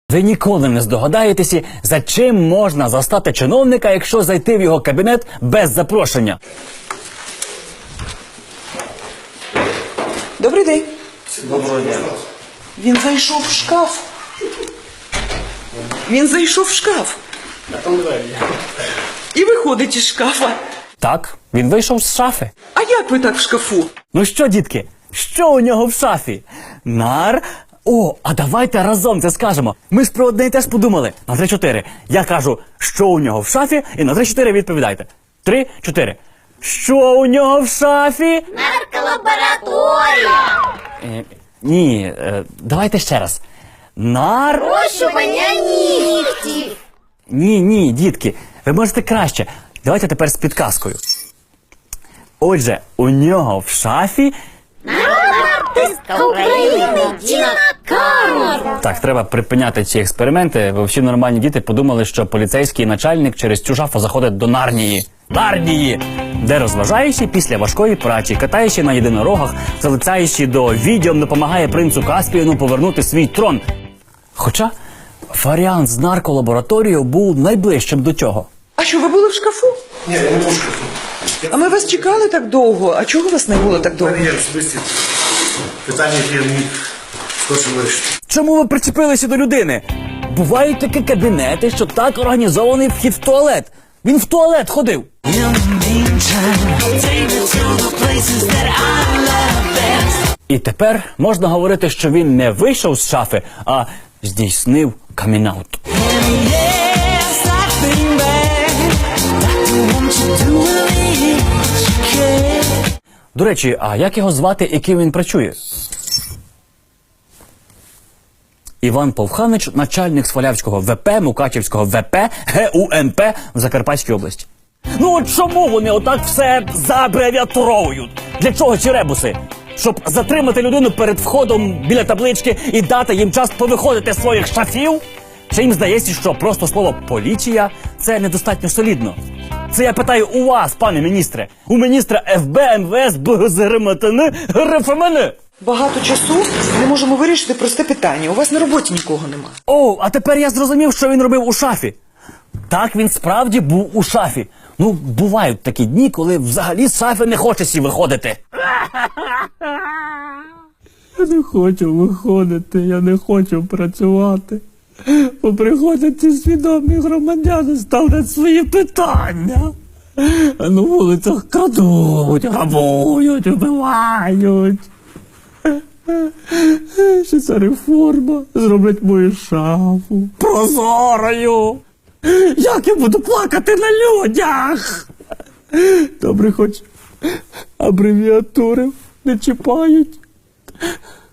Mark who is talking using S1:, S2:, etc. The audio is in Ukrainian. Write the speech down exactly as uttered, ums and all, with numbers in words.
S1: Ви ніколи не здогадаєтеся, за чим можна застати чиновника, якщо зайти в його кабінет без запрошення.
S2: Добрий день.
S3: Доброго дня.
S2: Він зайшов в шкаф. Він зайшов в шкаф.
S3: А там двері.
S2: І виходить із шкафа.
S1: Так, він вийшов з шафи.
S2: А як ви так в шкафу?
S1: Ну що, дітки, що у нього в шафі? Нар... О, а давайте разом це скажемо. Ми ж про одне і теж подумали. На три-чотири. Я кажу, що у нього в шафі, і на три-чотири відповідайте. Три-чотири. Що у нього в шафі?
S4: Нарколабораторія.
S1: Е, ні, е, давайте ще раз. Нар...
S4: Розчування нігтів.
S1: Ні, ні, дітки, ви можете краще. Давайте тепер з підказкою. Отже, у нього в шафі...
S4: Артистка України Тіна Кароль.
S1: Так, треба припиняти ці експерименти, бо всі нормальні діти подумали, що поліцейський начальник через цю шафу заходить до Нарнії. Нарнії! Де розважаючи після важкої праці, катаючи на єдинорогах, залицяючи до відьом, допомагає принцу Каспіяну повернути свій трон. Хоча варіант з нарколабораторією був найближчим до цього.
S2: А що, ви були в шкафу?
S3: Ні, я не був в шкафу.
S2: А ми вас чекали так довго. А чого вас не було так
S3: У
S2: довго?
S3: мене є особисті питання, які я міг скорше вирішити.
S1: Чому ви причепилися до людини? Бувають такі кабінети, що так організований вхід в туалет. Він в туалет ходив. І тепер можна говорити, що він не вийшов з шафи, а здійснив камінаут. До речі, а як його звати і ким він працює? Іван Повханич, начальник Свалявського ВП, Мукачівського ВП, ГУНП в Закарпатській області. Ну от чому вони отак все забревіатуровують? Для чого ці ребуси? Щоб затримати людину перед входом біля таблички і дати їм час повиходити з своїх шафів? Чи їм здається, що просто слово «поліція» – це недостатньо солідно? Це я питаю у вас, пане міністре. У міністра ФБ, МВС, БГЗРМТН, РФМН.
S2: Багато часу не можемо вирішити просте питання. У вас на роботі нікого нема.
S1: О, а тепер я зрозумів, що він робив у шафі. Так, він справді був у шафі. Ну, бувають такі дні, коли взагалі з шафи не хочеться виходити.
S5: Я не хочу виходити, я не хочу працювати. Бо приходять ці свідомі громадяни, ставлять свої питання. А на вулицях крадуть, грабують, вбивають. Що ця реформа зроблять мою шафу прозорою. Як я буду плакати на людях? Добре, хоч абревіатури не чіпають.